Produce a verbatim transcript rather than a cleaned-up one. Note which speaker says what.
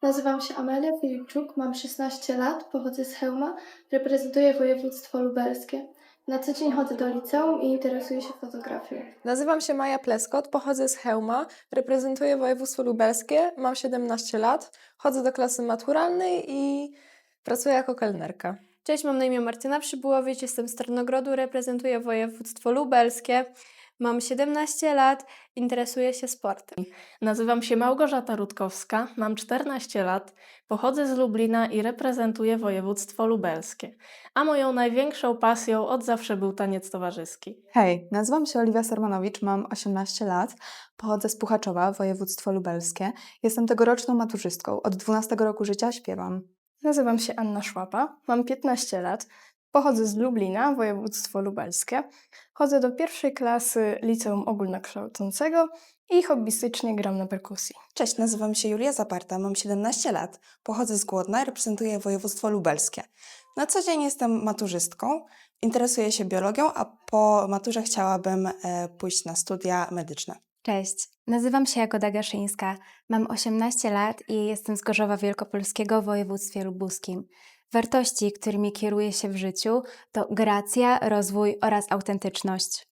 Speaker 1: Nazywam się Amelia Filipczuk, mam szesnaście lat, pochodzę z Chełma, reprezentuję województwo lubelskie. Na co dzień chodzę do liceum i interesuję się fotografią.
Speaker 2: Nazywam się Maja Pleskot, pochodzę z Chełma, reprezentuję województwo lubelskie, mam siedemnaście lat, chodzę do klasy maturalnej i pracuję jako kelnerka.
Speaker 3: Cześć, mam na imię Martyna Przybyłowicz, jestem z Tarnogrodu, reprezentuję województwo lubelskie. Mam siedemnaście lat, interesuję się sportem.
Speaker 4: Nazywam się Małgorzata Rutkowska, mam czternaście lat, pochodzę z Lublina i reprezentuję województwo lubelskie. A moją największą pasją od zawsze był taniec towarzyski.
Speaker 5: Hej, nazywam się Oliwia Sermanowicz, mam osiemnaście lat, pochodzę z Puchaczowa, województwo lubelskie. Jestem tegoroczną maturzystką, od dwunastego roku życia śpiewam.
Speaker 6: Nazywam się Anna Szłapa, mam piętnaście lat, pochodzę z Lublina, województwo lubelskie. Chodzę do pierwszej klasy liceum ogólnokształcącego i hobbystycznie gram na perkusji.
Speaker 7: Cześć, nazywam się Julia Zaparta, mam siedemnaście lat, pochodzę z Głodna, reprezentuję województwo lubelskie. Na co dzień jestem maturzystką, interesuję się biologią, a po maturze chciałabym e, pójść na studia medyczne.
Speaker 8: Cześć, nazywam się Jagoda Gaszyńska, mam osiemnaście lat i jestem z Gorzowa Wielkopolskiego w województwie lubuskim. Wartości, którymi kieruję się w życiu, to gracja, rozwój oraz autentyczność.